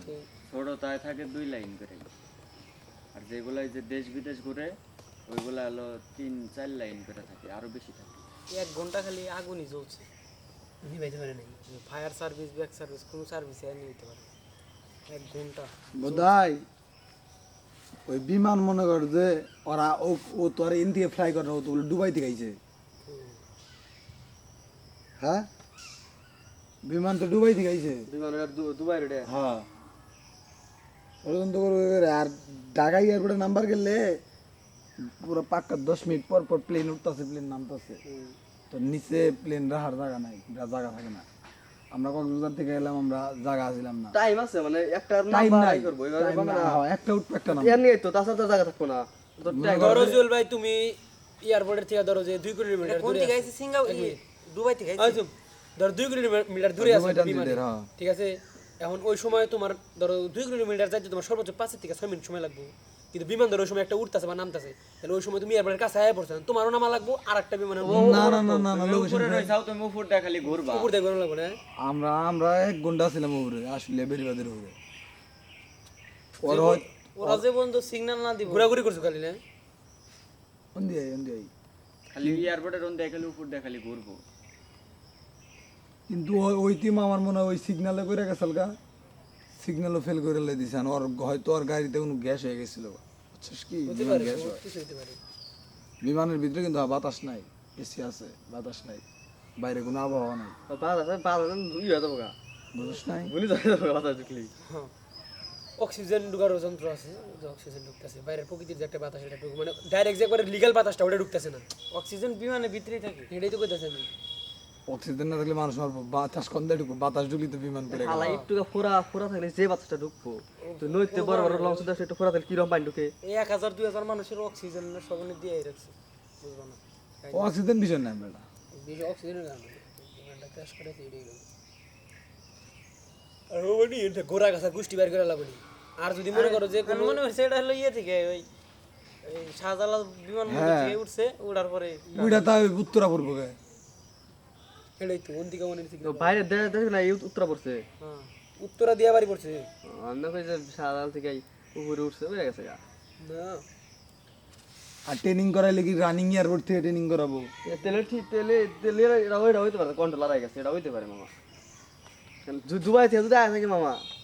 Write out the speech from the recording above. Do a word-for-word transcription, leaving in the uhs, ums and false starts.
ছোট তাই থাকে দুই লাইন করে, আর যেগুলো যে দেশ বিদেশ ঘুরে ওইগুলো হলো তিন চার লাইন করে থাকে, আরো বেশি থাকে। এক ঘন্টা খালি আগুনই জ্বলছে, নিভাইতে পারে নাই। ফায়ার সার্ভিস, ব্যাক সার্ভিস, কোনো সার্ভিস আর নিতে পারে এক ঘন্টা বোধহয় ওই বিমান মনে কর যে ওরা ও ও তো আর ইন্ডিয়া ফ্লাই করে ও তো বলে দুবাই থেকে আইছে। হ্যাঁ বিমান তো দুবাই থেকে আইছে। বিমান দুবাই রে। হ্যাঁ ওরকম তো করে। আর ঢাকা এয়ারপোর্টে নাম্বার গেলে পুরো পাক্কা দশ মিনিট পর পর প্লেন উঠতেছে, প্লেন নামতেছে। তো নিচে প্লেন রাখার জায়গা নাই, জায়গা থাকে না। আমরা কক্সবাজার থেকে এলাম, আমরা জায়গা আসলাম না, টাইম আছে মানে একটা টাইম নাম্বার নাই আই করব এইভাবে time পাবে না। না। হ্যাঁ, একটা উঠবে একটা নাম। এর নিয়ে তো তাছাড়া তো জায়গা থাকবো না। তো ধরো জুয়েল ভাই তুমি এয়ারপোর্টের থেকে ধরো যে দুই কিলোমিটার দূরে আছে, সিঙ্গাপুর দুবাই থেকে আইছো, ধরো দুই কিলোমিটার দূরে আছে বিমানে, ঠিক আছে? এখন ওই সময় তোমার ধরো দুই কিলোমিটার যাইতে তোমার সর্বোচ্চ পাঁচ থেকে ছয় মিনিট সময় লাগবে, কিন্তু বিমান ধরো ওই সময় একটা উঠতেছে বা নামতেছে, তাহলে ওই সময় তুমি এয়ারপোর্টের কাছে আয়া পড়ছো, তোমারও নামা লাগবো আর একটা বিমানের না না না না না লোকেশন উপরে রইছাও তুমি উপরটা খালি ঘুরবা, উপর দিয়ে ঘোরা লাগবে না। আমরা আমরা এক ঘন্টা ছিলাম উপরে, আসলে বেরিবাদের উপরে। ওর হয় ওরা যে বন্ধু সিগন্যাল না দিব ঘোরাঘুরি করছো খালি না, অন্দি আই অন্দি আই খালি এয়ারপোর্টের রন দেখালি উপর দিয়ে খালি ঘুরবো। কিন্তু ওই- ওই টিম আমার মনে হয় ওই সিগনালে করে গেছিল গা, সিগন্যালও ফেল করে লাই দিছে। আর ওর হয়তো ওর গাড়িতে কোনো গ্যাস হয়ে গেছিল, বুঝছিস কি? বিমান গ্যাস হয়। কিছু হইতে পারে। বিমানের ভিতরে কিন্তু বাতাস নাই, এসি আছে, বাতাস নাই, বাইরে কোনো আবহাওয়া নাই, বাদ আছে বাদ আছে দুই হয়ে যাবো গা। বুঝিস নাই? বলি যাবে কথা ঢুকলি। হ্যাঁ, অক্সিজেন ঢুকার যন্ত্র আছে, যে অক্সিজেন ঢুকতেছে বাইরের প্রকৃতির যে একটা বাতাস, এটা ঢুক মানে ডাইরেক্ট যে একবারে লিগ্যাল বাতাসটা ওটা ঢুকতেছে না, অক্সিজেন বিমানের ভিতরেই থাকে, এটাই তো কইতাছে আমি। অক্সিজেন না থাকলে মানুষ মারবো, বাতাস কন্দে ঢুকবো, বাতাস ঢুকলি তো বিমান করে হালা একটু ফোরা ফোরা থাকলে যে বাচ্চাটা ঢুকবো, তো নইতে বড় বড় লঞ্চ দাস একটু ফোরা থাকলে কিরম পানি ঢুকে। এই এক হাজার দুই হাজার মানুষের অক্সিজেনের সবনে দিয়ে রাখছে, বুঝবা না? অক্সিজেন বিষয় নাই বেটা। বেশি অক্সিজেনের কারণে বিমানটা ক্র্যাশ করে এটাই গেল। আর ওই এটা গোড়া গাছা গুষ্টি বের করে লাগবে। আর যদি মনে করো যে কোনো মনে হচ্ছে এটা হলো ইয়ে থেকে ওই এই শাহজালাল বিমান থেকে উঠছে, উড়ার পরে ওইটা তাই উত্তরা পূর্ব গায়ে। এটাই তো অন্তিকা মনে হচ্ছে। তো বাইরে দেখ দেখ না এই উত্তরা পড়ছে। হ্যাঁ, উত্তরা দিয়া বাড়ি পড়ছে আমরা কই যে সাদাল থেকে উপরে উঠছে হয়ে গেছে গা। না। আর ট্রেনিং করাইলে কি রানিং এয়ারপোর্ট থেকে ট্রেনিং করাবো? এ তেলের ঠিক তেলে তেলের এটা ওইটা হইতে পারে, কন্ট্রোলার হয়ে গেছে, এটা হইতে পারে মামা। দু- দুবাই থেকে যদি আয় থাকে মামা